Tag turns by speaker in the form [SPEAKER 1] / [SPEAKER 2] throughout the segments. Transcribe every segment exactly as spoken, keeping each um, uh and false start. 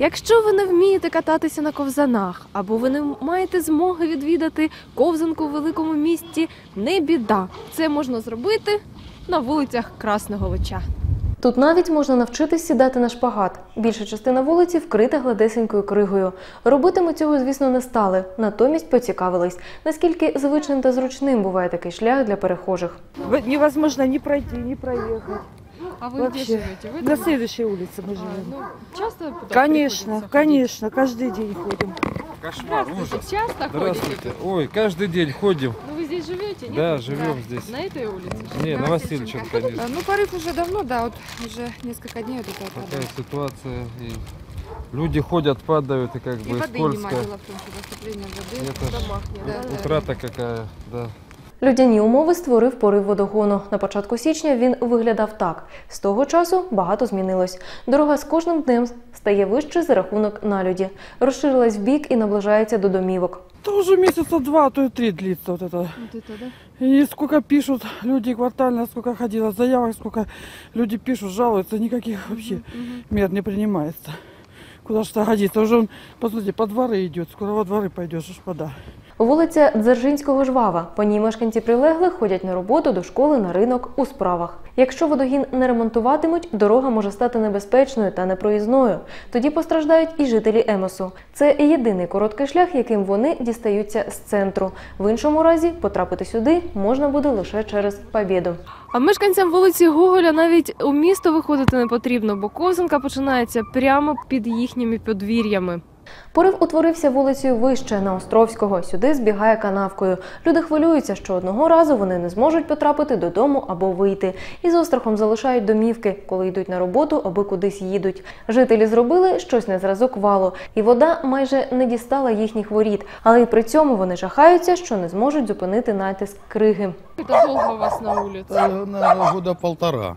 [SPEAKER 1] Якщо ви не вмієте кататися на ковзанах, або ви не маєте змоги відвідати ковзанку в великому місті, не біда. Це можна зробити на вулицях Красного Лича. Тут навіть можна навчитись сідати на шпагат. Більша частина вулиці вкрита гладесенькою кригою. Робити ми цього, звісно, не стали. Натомість поцікавились, наскільки звичним та зручним буває такий шлях для перехожих.
[SPEAKER 2] Невозможно ни пройти, ни проехать.
[SPEAKER 1] А вы
[SPEAKER 2] Вообще.
[SPEAKER 1] где живете? Вы
[SPEAKER 2] На
[SPEAKER 1] там?
[SPEAKER 2] следующей улице мы
[SPEAKER 1] А,
[SPEAKER 2] живем.
[SPEAKER 1] ну, часто туда
[SPEAKER 2] Конечно,
[SPEAKER 1] приходится ходить?
[SPEAKER 2] конечно, каждый день ходим.
[SPEAKER 3] Кошмар,
[SPEAKER 1] Здравствуйте,
[SPEAKER 3] ужас.
[SPEAKER 1] часто
[SPEAKER 3] Здравствуйте.
[SPEAKER 1] ходите?
[SPEAKER 3] Ой, каждый день ходим.
[SPEAKER 1] Ну вы здесь живете, нет?
[SPEAKER 3] Да, живем здесь.
[SPEAKER 1] На этой улице?
[SPEAKER 3] Не, на Васильевича, конечно.
[SPEAKER 4] А, Ну, порыв уже давно, да, вот уже несколько дней вот это вот
[SPEAKER 3] Такая
[SPEAKER 4] вода.
[SPEAKER 3] ситуация. И люди ходят, падают, и как
[SPEAKER 4] И
[SPEAKER 3] бы
[SPEAKER 4] воды нема,
[SPEAKER 3] скользко.
[SPEAKER 4] дело в том, что поступление воды
[SPEAKER 3] Это
[SPEAKER 4] в
[SPEAKER 3] ж
[SPEAKER 4] домах нет. Да, да.
[SPEAKER 3] утрата какая, да.
[SPEAKER 1] Людяні умови створив порив водогону. На початку січня він виглядав так. З того часу багато змінилось. Дорога з кожним днем стає вище за рахунок налюді. Розширилась вбік і наближається до домівок.
[SPEAKER 2] Это уже месяца два, а то и три длится вот это.
[SPEAKER 1] Вот это, да?
[SPEAKER 2] И сколько пишут люди квартально, сколько ходило заявок, сколько люди пишут, жалуются, никаких вообще мер не принимается. Куда что годится? Уже он, посмотрите, по дворы идет, скоро во дворы пойдешь, аж вода.
[SPEAKER 1] Вулиця Дзержинського жвава. По ній мешканці прилеглих ходять на роботу, до школи, на ринок, у справах. Якщо водогін не ремонтуватимуть, дорога може стати небезпечною та непроїзною. Тоді постраждають і жителі Емосу. Це єдиний короткий шлях, яким вони дістаються з центру. В іншому разі потрапити сюди можна буде лише через Побєду. А мешканцям вулиці Гоголя навіть у місто виходити не потрібно, бо ковзанка починається прямо під їхніми подвір'ями. Порив утворився вулицею вище, на Островського. Сюди збігає канавкою. Люди хвилюються, що одного разу вони не зможуть потрапити додому або вийти. І з острахом залишають домівки, коли йдуть на роботу або кудись їдуть. Жителі зробили щось на зразок валу, і вода майже не дістала їхніх воріт. Але й при цьому вони жахаються, що не зможуть зупинити натиск криги. Це довго у вас на вулиці?
[SPEAKER 5] Да, наверное, года полтора.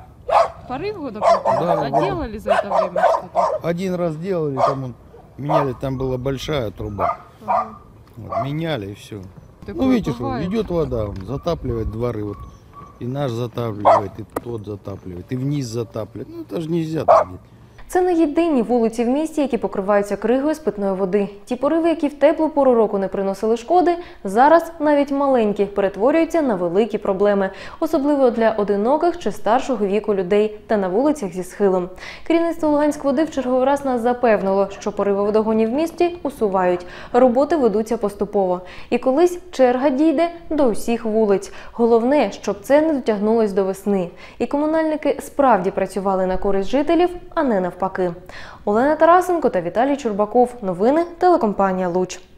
[SPEAKER 1] Порив года полтора?
[SPEAKER 5] Да,
[SPEAKER 1] А
[SPEAKER 5] года.
[SPEAKER 1] делали за это время что-то?
[SPEAKER 5] Один раз делали, там он, меняли, там была большая труба.
[SPEAKER 1] Ага.
[SPEAKER 5] Вот, меняли и все.
[SPEAKER 1] Такое
[SPEAKER 5] Ну видите, что
[SPEAKER 1] бывает.
[SPEAKER 5] идет вода, он затапливает дворы. Вот, и наш затапливает, и тот затапливает, и вниз затапливает. Ну это же нельзя так делать.
[SPEAKER 1] Це не єдині вулиці в місті, які покриваються кригою з питної води. Ті пориви, які в теплу пору року не приносили шкоди, зараз навіть маленькі перетворюються на великі проблеми. Особливо для одиноких чи старшого віку людей та на вулицях зі схилом. Керівництво Луганськводи в черговий раз нас запевнило, що пориви водогонів в місті усувають. Роботи ведуться поступово. І колись черга дійде до усіх вулиць. Головне, щоб це не дотягнулось до весни. І комунальники справді працювали на користь жителів, а не навпаки. Олена Тарасенко та Віталій Чурбаков. Новини телекомпанія «Луч».